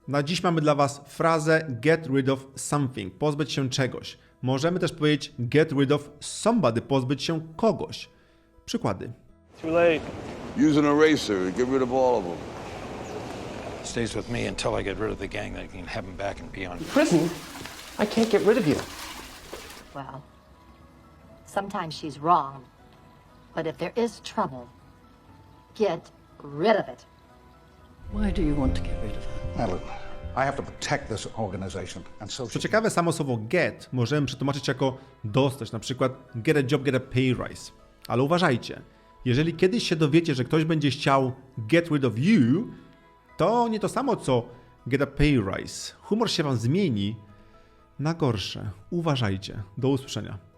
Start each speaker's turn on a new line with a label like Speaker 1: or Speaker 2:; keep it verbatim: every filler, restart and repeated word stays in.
Speaker 1: Na dziś mamy dla Was frazę get rid of something, pozbyć się czegoś. Możemy też powiedzieć get rid of somebody, pozbyć się kogoś. Przykłady.
Speaker 2: Too late.
Speaker 3: Use an eraser, get rid of all of them.
Speaker 4: Stays with me until I get rid of the gang that can have him back and be on.
Speaker 5: Prison? I can't get rid of you.
Speaker 6: Well, sometimes she's wrong. But if there is trouble, get rid of it.
Speaker 7: Why do you want to get rid of her?
Speaker 8: Madeline, I have to protect this organization, and so
Speaker 1: Co
Speaker 8: should
Speaker 1: ciekawe, samo słowo get możemy przetłumaczyć jako dostać, na przykład get a job, get a pay rise. Ale uważajcie, jeżeli kiedyś się dowiecie, że ktoś będzie chciał get rid of you, to nie to samo co get a pay rise. Humor się Wam zmieni na gorsze. Uważajcie. Do usłyszenia.